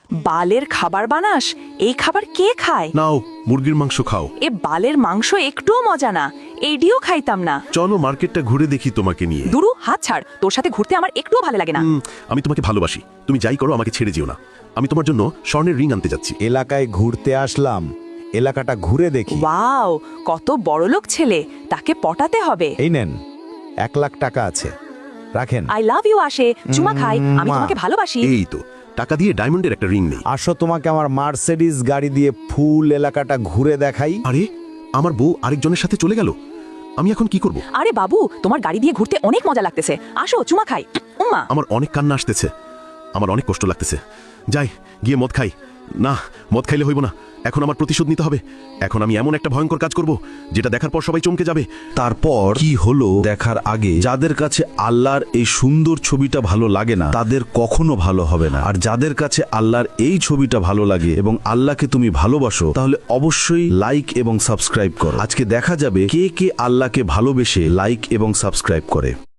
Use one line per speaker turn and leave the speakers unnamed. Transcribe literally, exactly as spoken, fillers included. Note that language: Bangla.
বালের খাবার বানাস? এই খাবার কে খায়?
নাও মুরগির মাংস খাও।
এ বালের মাংস একটুও মজা না, এইডিও খাইতাম না।
চলো মার্কেটটা ঘুরে দেখি তোমাকে নিয়ে।
দুরু, হাত ছাড়, তোর সাথে ঘুরতে আমার একটুও ভালো লাগে না।
হুম, আমি তোমাকে ভালোবাসি, তুমি যাই করো আমাকে ছেড়ে যেও না। আমি তোমার জন্য স্বর্ণের রিং আনতে যাচ্ছি।
এলাকায় ঘুরতে আসলাম, এলাকাটা ঘুরে দেখি।
ওয়াও, কত বড়লোক ছেলে, তাকে পটাতে হবে।
এই নেন, এক লাখ টাকা আছে, রাখেন।
আই লাভ ইউ আসে, চুমা খাই, আমি তোমাকে ভালোবাসি।
এই তো টাকা দিয়ে ডায়মন্ডের একটা রিং নেই।
আসো, তোমাকে আমার মার্সিডিজ গাড়ি দিয়ে ফুল এলাকাটা ঘুরে দেখাই।
আরে আমার বউ আরেকজনের সাথে চলে গেল, আমি এখন কি করব?
আরে বাবু, তোমার গাড়ি দিয়ে ঘুরতে অনেক মজা লাগতেছে, আসো চুমা খাই। উম্মা।
আমার অনেক কান্না আসতেছে, আমার অনেক কষ্ট লাগতেছে। যাই গিয়ে মদ খাই। না, মদ খাইলে হইব না, এখন আমার প্রতিশোধ নিতে হবে। এখন আমি এমন একটা ভয়ঙ্কর কাজ করব যেটা দেখার পর সবাই চমকে যাবে।
তারপর কি হলো দেখার আগে যাদের কাছে আল্লাহর এই সুন্দর ছবিটা ভালো লাগে না তাদের কখনো ভালো হবে না। আর যাদের কাছে আল্লাহর এই ছবিটা ভালো লাগে এবং আল্লাহকে তুমি ভালোবাসো, তাহলে অবশ্যই লাইক এবং সাবস্ক্রাইব করো। আজকে দেখা যাবে কে কে আল্লাহকে ভালোবেসে লাইক এবং সাবস্ক্রাইব করে।